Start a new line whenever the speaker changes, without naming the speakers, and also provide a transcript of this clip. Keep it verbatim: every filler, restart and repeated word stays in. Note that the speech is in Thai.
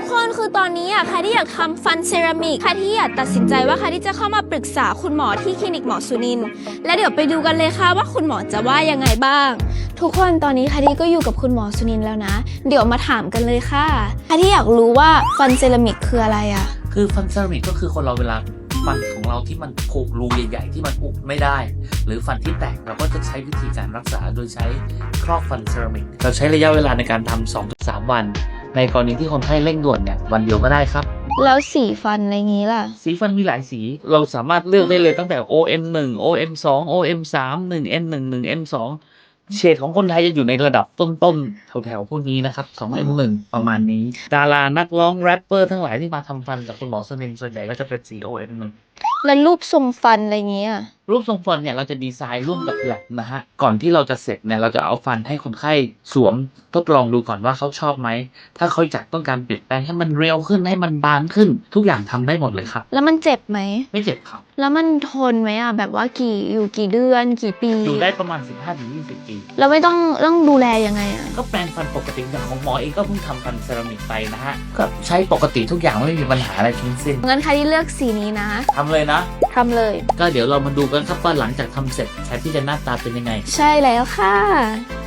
กคนคือตอนนี้อ่ะใครที่อยากทำฟันเซรามิกใครที่อยากตัดสินใจว่าใครที่จะเข้ามาปรึกษาคุณหมอที่คลินิกหมอสุนินทร์และเดี๋ยวไปดูกันเลยค่ะว่าคุณหมอจะว่ายังไงบ้างทุกคนตอนนี้ใครที่ก็อยู่กับคุณหมอสุนินทร์แล้วนะเดี๋ยวมาถามกันเลยค่ะใครที่อยากรู้ว่าฟันเซรามิกคืออะไรอ่ะ
คือฟันเซรามิกก็คือคนเราเวลาฟันของเราที่มันผุรูใหญ่ๆที่มันอุดไม่ได้หรือฟันที่แตกเราก็จะใช้วิธีการรักษาโดยใช้ครอบฟันเซรามิกเราใช้ระยะเวลาในการทำ สองถึงสาม วันในกรณีที่คนไข้เร่งด่วนเนี่ยวันเดียวก็ได้ครับ
แล้วสีฟันอะไรงี้ล่ะ
สีฟันมีหลายสีเราสามารถเลือกได้เลยตั้งแต่ โอ เอ็ม หนึ่ง โอ เอ็ม สอง โอ เอ็ม สาม หนึ่ง เอ็น หนึ่ง หนึ่ง เอ็ม สองเฉดของคนไทยจะอยู่ในระดับต้นๆแถวๆพวกนี้นะครับ สอง เอ็ม หนึ่ง ประมาณนี้ดารานักร้องแรปเปอร์ทั้งหลายที่มาทำฟันกับคุณหมอสนินส่วนใหญ่ก็จะเป็นสี โอ เอ็ม หนึ่ง
แล้วรูปทรงฟันอะไรเงี้ย
รูปทรงฟันเนี่ยเราจะดีไซน์ร่วมกับแลบนะฮะก่อนที่เราจะเสร็จเนี่ยเราจะเอาฟันให้คนไข้สวมทดลองดูก่อนว่าเขาชอบไหมถ้าเขาอยากต้องการเปลี่ยนแปลงให้มันเร็วขึ้นให้มันบางขึ้นทุกอย่างทำได้หมดเลยครับ
แล้วมันเจ็บไหม
ไม่เจ็บครับ
แล้วมันทนไหมอ่ะแบบว่ากี่อยู่กี่เดือนกี่ปี
อยู่ได้ประมาณ สิบห้าถึงยี่สิบ ปี
แล้วไม่ต้องต้องดูแลยังไงอ่ะ
ก็แปรงฟันปกติอย่างของหมอเองก็เพิ่งทำฟันเซรามิกไปนะฮะก็ใช้ปกติทุกอย่างไม่มีปัญหาอะไรทั้งสิ้น
งั้นใครที่เลือกสีนี้นะ
ทำเลยนะ
ทำเลย
ก็เดี๋ยวเรามาดูกันครับว่าหลังจากทำเสร็จแทนที่จะหน้าตาเป็นยังไง
ใช่แล้วค่ะ